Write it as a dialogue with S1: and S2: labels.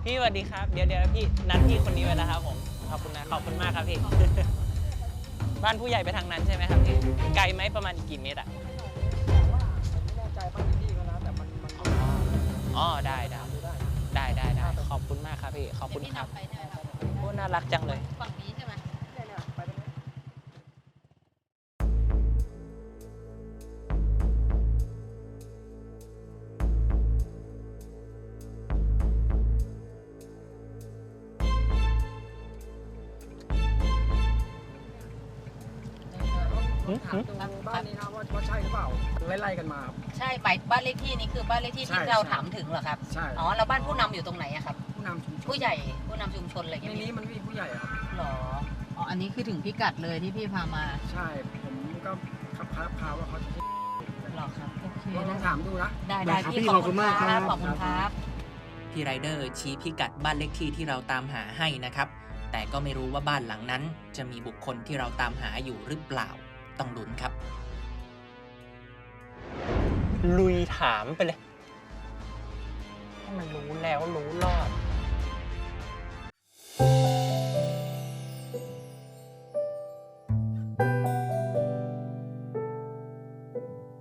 S1: พี่สวัสดีครับเดี๋ยวพี่นัดพี่คนนี้ไว้แล้วครับผมขอบคุณนะขอบคุณมากครับพี่บ้านผู้ใหญ่ไปทางนั้นใช่ไหมครับพี่ไกลไหมประมาณกี่เมตรอ่ะ
S2: ไม่แน่ใจบ้านพี่ก็นะแต่มัน
S1: อ๋อได้ขอบคุณมากครับพี่ขอบคุณครับโอ้น่ารักจังเลย
S3: ฝั่งนี้ใช่ไหม
S2: เนี่ยไปตรงนี้ถามตรงบ้านนี้นะว่าใช่หรือเปล่าไล่กันมา
S3: ใช่ไปบ้านเลขที่นี้คือบ้านเลขที่ที่เราถามถึงเหรอครับ
S2: ใช่
S3: อ๋อแล้วบ้านผู้นำอยู่ตรงไหนอะครับ
S2: ผู้นำชุมชน
S3: ผู้ใหญ่ผู้นำชุมชนอะไร
S2: ใน
S3: เงี้ย
S2: นี้มันมีผู้ใหญ่ครับ
S3: หรออ๋ออันนี้คือถึงพิกัดเลยที่พี่พามา
S2: ใช่ผมก็พาว่าเขาจะ
S3: หรอครับโอเค
S2: ลองถามดูนะ
S3: ได้พี่ขอบคุณมากครับขอบคุณครับ
S1: พี่ไรเดอร์ชี้พิกัดบ้านเลขที่ที่เราตามหาให้นะครับแต่ก็ไม่รู้ว่าบ้านหลังนั้นจะมีบุคคลที่เราตามหาอยู่หรือเปล่าต้องลุ้นครับลุยถามไปเลยให้มันรู้แล้วรู้รอด